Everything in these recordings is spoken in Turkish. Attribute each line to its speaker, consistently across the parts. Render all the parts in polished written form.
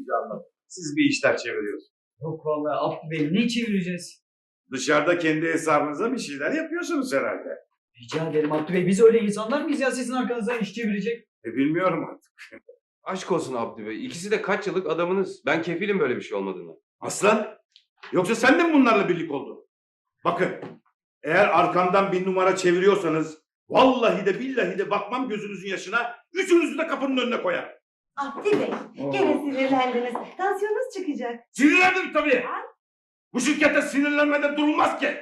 Speaker 1: inşallah. Siz bir işler çeviriyorsunuz.
Speaker 2: Yok vallahi Abdü Bey ne çevireceğiz?
Speaker 1: Dışarıda kendi hesabınıza bir şeyler yapıyorsunuz herhalde.
Speaker 2: Rica ederim Abdü Bey. Biz öyle insanlar mıyız ya sizin arkanızdan iş çevirecek?
Speaker 1: Bilmiyorum artık.
Speaker 3: Aşk olsun Abdü Bey. İkisi de kaç yıllık adamınız. Ben kefilim böyle bir şey olmadığını.
Speaker 1: Aslan, yoksa sen de mi bunlarla birlik oldun? Bakın, eğer arkamdan bir numara çeviriyorsanız vallahi de billahi de bakmam gözünüzün yaşına, üçünüzü de kapının önüne koyar.
Speaker 4: Abdi Bey, gene sinirlendiniz. Tansiyonunuz çıkacak.
Speaker 1: Sinirlendim tabii. Bu şirkette sinirlenmeden durulmaz ki.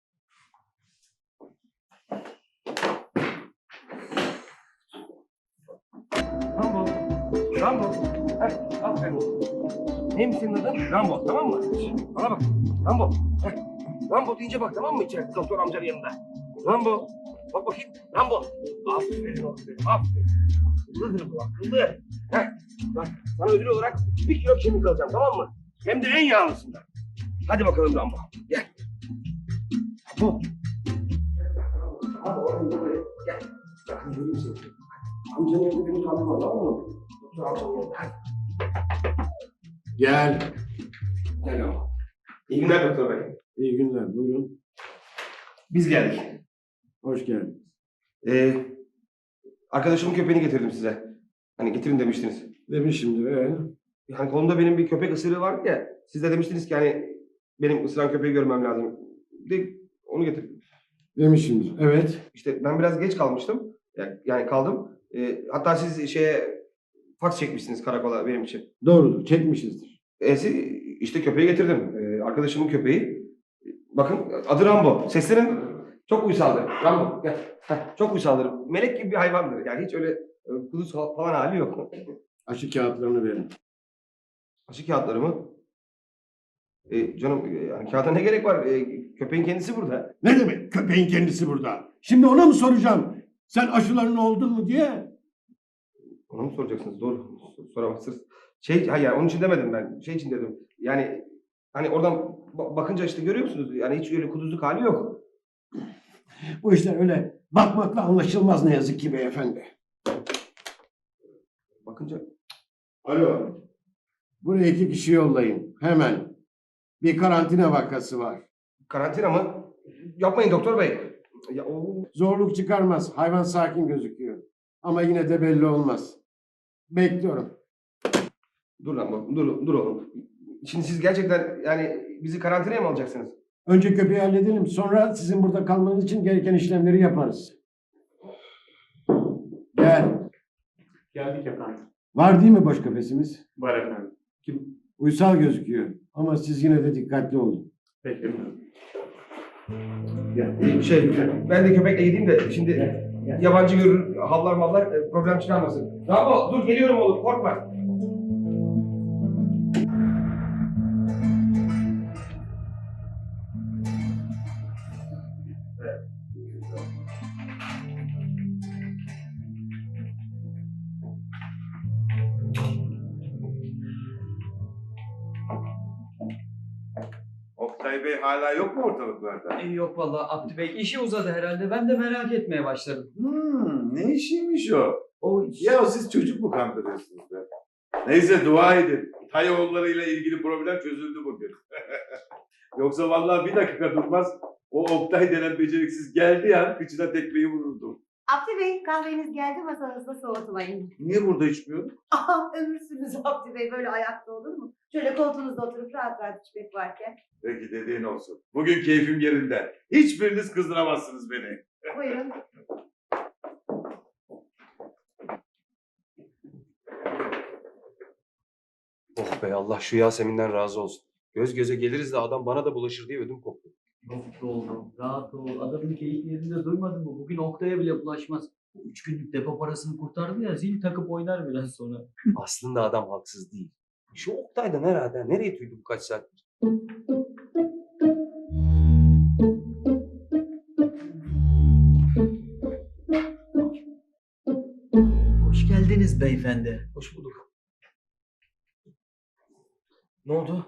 Speaker 3: Rambo. Rambo. Heh, aferin. Neymiş senin adın? Rambo, tamam mı? Bana bak. Rambo. Heh. Rambo deyince bak, tamam mı içeride doktor amcanın yanında? Rambo. Bak bakayım. Rambo. Aferin, aferin, aferin. Akıllıdır bu, akıllı. Heh. Bak, sana ödül olarak 1 kilo kemik alacağım, tamam mı? Hem de en yağlısından. Hadi bakalım Rambo. Gel. Rambo. Hadi oğlum buraya. Gel. Bakın göreyim seni. Amcanın yanında beni kandırma, tamam mı? Doktor amcanın yanında. Hadi.
Speaker 5: Gel.
Speaker 3: Gel ama. İyi günler doktor bey.
Speaker 5: İyi günler. Buyurun.
Speaker 3: Biz geldik.
Speaker 5: Hoş geldiniz.
Speaker 3: Arkadaşımın köpeğini getirdim size. Hani getirin demiştiniz.
Speaker 5: Demişimdir.
Speaker 3: Hani kolumda benim bir köpek ısırığı vardı ya. Siz de demiştiniz ki hani benim ısıran köpeği görmem lazım. De onu getirdim.
Speaker 5: Demişimdir. Evet.
Speaker 3: İşte ben biraz geç kalmıştım. Yani kaldım. Hatta siz fax çekmişsiniz karakola benim için.
Speaker 5: Doğrudur. Çekmişizdir.
Speaker 3: İşte köpeği getirdim. Arkadaşımın köpeği. Bakın adı Rambo. Seslerin çok uysaldır. Rambo gel. Heh, çok uysaldır. Melek gibi bir hayvandır. Yani hiç öyle kuduz falan hali yok.
Speaker 5: Aşı kağıtlarını verin.
Speaker 3: Aşı kağıtları mı? Canım yani kağıda ne gerek var? Köpeğin kendisi burada.
Speaker 5: Ne demek köpeğin kendisi burada? Şimdi ona mı soracağım? Sen aşıların oldun mu diye?
Speaker 3: Ona mı soracaksınız? Doğru. Soramazsınız. Hayır onun için demedim ben. Şey için dedim. Yani hani oradan bakınca işte görüyor musunuz? Yani hiç öyle kuduzluk hali yok.
Speaker 5: Bu işler öyle bakmakla anlaşılmaz ne yazık ki beyefendi.
Speaker 3: Bakınca
Speaker 5: Alo. Buraya 2 kişi yollayın. Hemen. Bir karantina vakası var.
Speaker 3: karantina mı? Yapmayın doktor bey. Ya,
Speaker 5: Zorluk çıkarmaz. Hayvan sakin gözüküyor. Ama yine de belli olmaz. Bekliyorum.
Speaker 3: dur lan dur oğlum. Şimdi siz gerçekten yani bizi karantinaya mı alacaksınız?
Speaker 5: Önce köpeği halledelim. Sonra sizin burada kalmanız için gereken işlemleri yaparız. Gel.
Speaker 6: Geldik efendim.
Speaker 5: Var değil mi boş kafesimiz?
Speaker 6: Var efendim.
Speaker 5: Uysal gözüküyor. Ama siz yine de dikkatli olun.
Speaker 6: Peki efendim.
Speaker 3: Ben de köpekle gideyim de şimdi yabancı görür, havlar mallar problem çıkarmasın. Bravo, dur geliyorum oğlum, korkma.
Speaker 1: Oktay Bey hala yok mu ortalıklarda?
Speaker 2: Yok vallahi Abdü Bey. İşi uzadı herhalde. Ben de merak etmeye başladım.
Speaker 1: Ne işiymiş o?
Speaker 2: O
Speaker 1: Ya siz çocuk mu kandırıyorsunuz be? Neyse dua edin. Tayoğullarıyla ilgili problem çözüldü bugün. Yoksa vallahi bir dakika durmaz. O Oktay denen beceriksiz geldiği an kıçına tekmeyi vururdum.
Speaker 4: Abdi Bey, kahveniz geldi, masanızda soğutmayın.
Speaker 1: Niye burada içmiyorum?
Speaker 4: Aha, ömürsünüz Abdi Bey, böyle ayakta olur mu? Şöyle koltuğunuzda oturup rahat rahat içmek varken.
Speaker 1: Peki dediğin olsun. Bugün keyfim yerinde. Hiçbiriniz kızdıramazsınız beni.
Speaker 4: Buyurun.
Speaker 3: Oh be Allah şu Yasemin'den razı olsun. Göz göze geliriz de adam bana da bulaşır diye ödüm koptu.
Speaker 2: Yok oğlum. Rahat ol. Adamın keyif yerinde duymadın mı? Bugün Oktay'a bile bulaşmaz. 3 günlük depo parasını kurtardı ya. Zil takıp oynar biraz sonra.
Speaker 3: Aslında adam haksız değil. Şu Oktay'dan herhalde nereye tüydü bu kaç saattir?
Speaker 2: Hoş geldiniz beyefendi.
Speaker 3: Hoş bulduk. Ne oldu?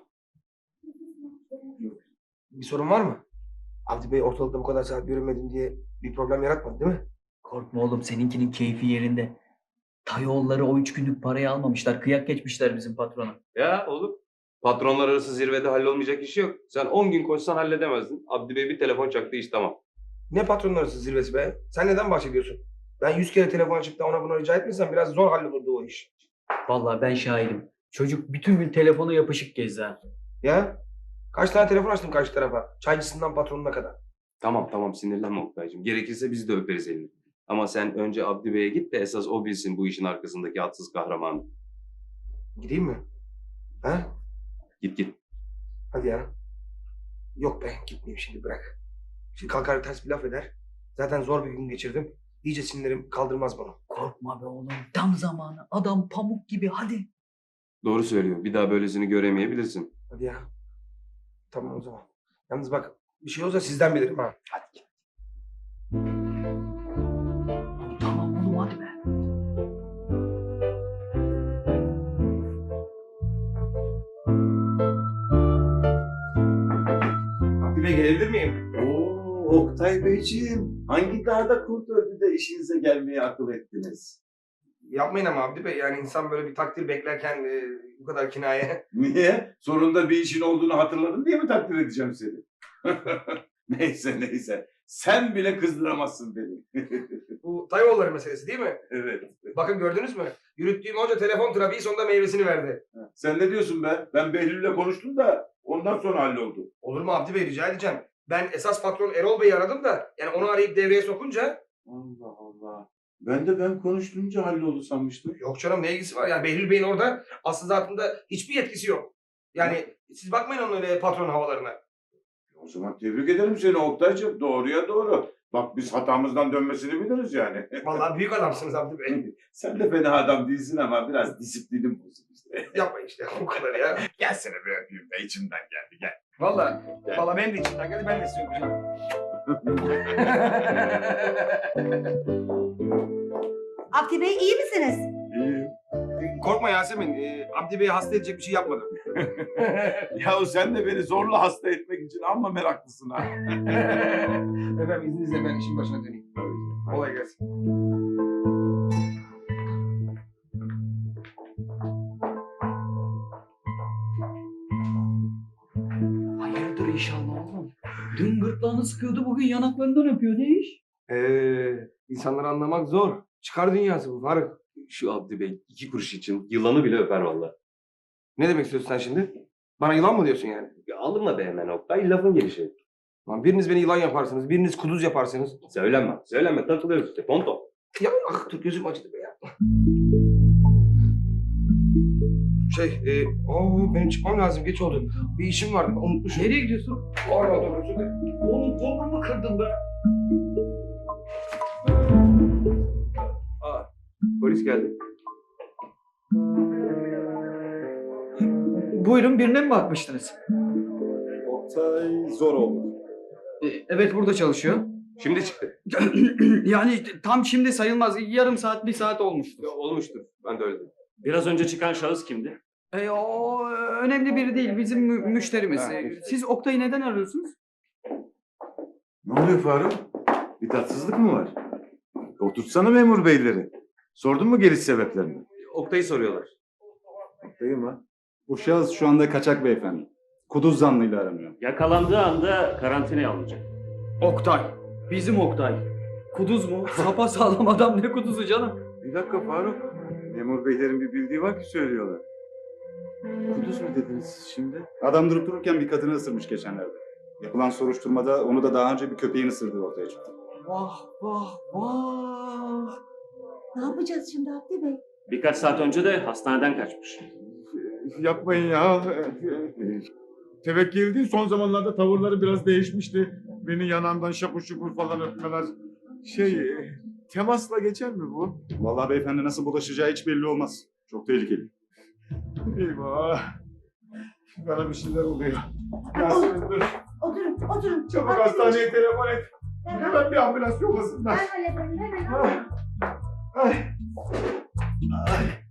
Speaker 3: Bir sorun var mı? Abdi Bey ortalıkta bu kadar saat görünmedim diye bir problem yaratmadı değil mi?
Speaker 2: Korkma oğlum. Seninkinin keyfi yerinde. Tayoğulları o 3 günlük parayı almamışlar. Kıyak geçmişler bizim patrona.
Speaker 3: Ya oğlum. Patronlar arası zirvede hallolmayacak iş yok. Sen 10 gün koşsan halledemezdin. Abdi Bey bir telefon çaktı, iş tamam. Ne patronlar arası zirvesi be? Sen neden bahsediyorsun? Ben 100 kere telefon açıp da ona bunu rica etmesem biraz zor hallolurdu o iş.
Speaker 2: Vallahi ben şahidim. Çocuk bütün gün telefona yapışık gezdi ha.
Speaker 3: Ya? Kaç tane telefon açtım karşı tarafa? Çaycısından patronuna kadar. Tamam sinirlenme Oktay'cığım. Gerekirse biz de öperiz elini. Ama sen önce Abdi Bey'e git de esas o bilsin bu işin arkasındaki atsız kahramanı. Gideyim mi? Ha? Git. Hadi ya. Yok be, gitmeyeyim şimdi, bırak. Şimdi kalkar ters bir laf eder. Zaten zor bir gün geçirdim. İyice sinirlerim kaldırmaz bunu.
Speaker 2: Korkma be oğlum. Tam zamanı. Adam pamuk gibi hadi.
Speaker 3: Doğru söylüyor. Bir daha böylesini göremeyebilirsin. Hadi ya. Tamam o zaman. Yalnız bak, bir şey olursa sizden bilirim ha. Hadi git.
Speaker 2: Tamam oğlum hadi be.
Speaker 3: Abdi Bey, gelebilir miyim?
Speaker 1: Oo, Oktay Beyciğim, hangi dağda kurt öldü de işinize gelmeye akıl ettiniz?
Speaker 3: Yapmayın ama Abdi Bey. Yani insan böyle bir takdir beklerken bu kadar kinaye.
Speaker 1: Niye? Sonunda bir işin olduğunu hatırladın diye mi takdir edeceğim seni? Neyse. Sen bile kızdıramazsın beni.
Speaker 3: Bu Tayoğulları meselesi değil mi?
Speaker 1: Evet.
Speaker 3: Bakın gördünüz mü? Yürüttüğüm onca telefon trafiği sonunda meyvesini verdi.
Speaker 1: Sen ne diyorsun be? Ben Behlül'le konuştum da ondan sonra halloldu.
Speaker 3: Olur mu Abdi Bey, rica edeceğim. Ben esas patron Erol Bey'i aradım da yani onu arayıp devreye sokunca
Speaker 1: Allah. Ben konuştuğumca halloldu sanmıştım.
Speaker 3: yok canım, ne ilgisi var? Yani Behlül Bey'in orada aslında zatında hiçbir yetkisi yok. Yani siz bakmayın onun öyle patron havalarına.
Speaker 1: O zaman tebrik ederim seni Oktay'cığım. Doğruya doğru. Bak biz hatamızdan dönmesini biliriz yani.
Speaker 3: Vallahi büyük adamsınız Abdi Bey.
Speaker 1: Sen de fena adam değilsin ama biraz disiplinin bozuk işte.
Speaker 3: Yapmayın işte o kadar ya.
Speaker 1: Gelsene bir öpeyim de içimden geldi gel.
Speaker 3: Vallahi benim de içimden geldi, ben de size öpeceğim.
Speaker 4: Abdi Bey iyi misiniz?
Speaker 1: İyi.
Speaker 3: Korkma Yasemin, Abdi Bey'i hasta edecek bir şey yapmadım.
Speaker 1: Yahu sen de beni zorla hasta etmek için amma meraklısın ha.
Speaker 3: Efendim izninizle ben işin başına döneyim. Kolay gelsin.
Speaker 2: Hayırdır inşallah oğlum. Dün gırtlağını sıkıyordu bugün yanaklarından öpüyor. Ne iş?
Speaker 3: İnsanları anlamak zor. Çıkar dünyası bu Faruk. Şu Abdi Bey 2 kuruş için yılanı bile öper vallahi. Ne demek istiyorsun sen şimdi? Bana yılan mı diyorsun yani? Ya alınma be hemen Oktay, lafın gelişi. Lan biriniz beni yılan yaparsınız, biriniz kuduz yaparsınız. Söyleme takılıyoruz işte ponto. Ya dur gözüm acıdı be ya. Benim çıkmam lazım, geç oldu. Bir işim vardı, unutmuşum.
Speaker 2: Nereye gidiyorsun?
Speaker 3: Pardon, dur, özür dilerim.
Speaker 2: Oğlum kolumu kırdın be.
Speaker 3: Polis geldi.
Speaker 2: Buyurun birine mi bakmıştınız?
Speaker 6: Oktay zor oldu.
Speaker 2: Evet burada çalışıyor.
Speaker 3: Şimdi çıktı.
Speaker 2: Yani tam şimdi sayılmaz. Yarım saat, bir saat olmuştur.
Speaker 3: Ya, olmuştur, ben de öyle dedim.
Speaker 6: Biraz önce çıkan şahıs kimdi?
Speaker 2: O önemli biri değil. Bizim müşterimiz.
Speaker 3: Ha,
Speaker 2: Siz Oktay'ı neden arıyorsunuz?
Speaker 1: Ne oluyor Faruk? Bir tatsızlık mı var? Oturtsana memur beyleri. Sordun mu geliş sebeplerini?
Speaker 3: Oktay'ı soruyorlar.
Speaker 1: Değil mi?
Speaker 7: Bu şahıs şu anda kaçak beyefendi. Kuduz zanlıyla aranıyor.
Speaker 6: Yakalandığı anda karantinaya alınacak.
Speaker 2: Oktay. Bizim Oktay. Kuduz mu? Sapa sağlam adam ne kuduzu canım?
Speaker 1: Bir dakika Faruk. Memur beylerin bir bildiği var ki söylüyorlar. Kuduz mu dediniz siz şimdi?
Speaker 7: Adam durup dururken bir kadını ısırmış geçenlerde. Yapılan soruşturmada onu da daha önce bir köpeğin ısırdığı ortaya çıktı.
Speaker 2: Vah.
Speaker 4: Ne yapacağız şimdi Abdi Bey?
Speaker 6: Birkaç saat önce de hastaneden kaçmış.
Speaker 1: Yapmayın ya. Tevekkül değil. Son zamanlarda tavırları biraz değişmişti. Beni yanağımdan şapur şupur falan öpmeler. Temasla geçer mi bu?
Speaker 7: Vallahi beyefendi nasıl bulaşacağı hiç belli olmaz. Çok tehlikeli.
Speaker 1: Eyvah. Bana bir şeyler oluyor. Yasemin dur.
Speaker 4: Oturun.
Speaker 1: Çabuk
Speaker 4: Abdi Bey,
Speaker 1: hastaneye telefon et.
Speaker 4: Hemen.
Speaker 1: Hemen bir ambulans yollasınlar.
Speaker 4: Ben hallederim hemen.
Speaker 1: Ay.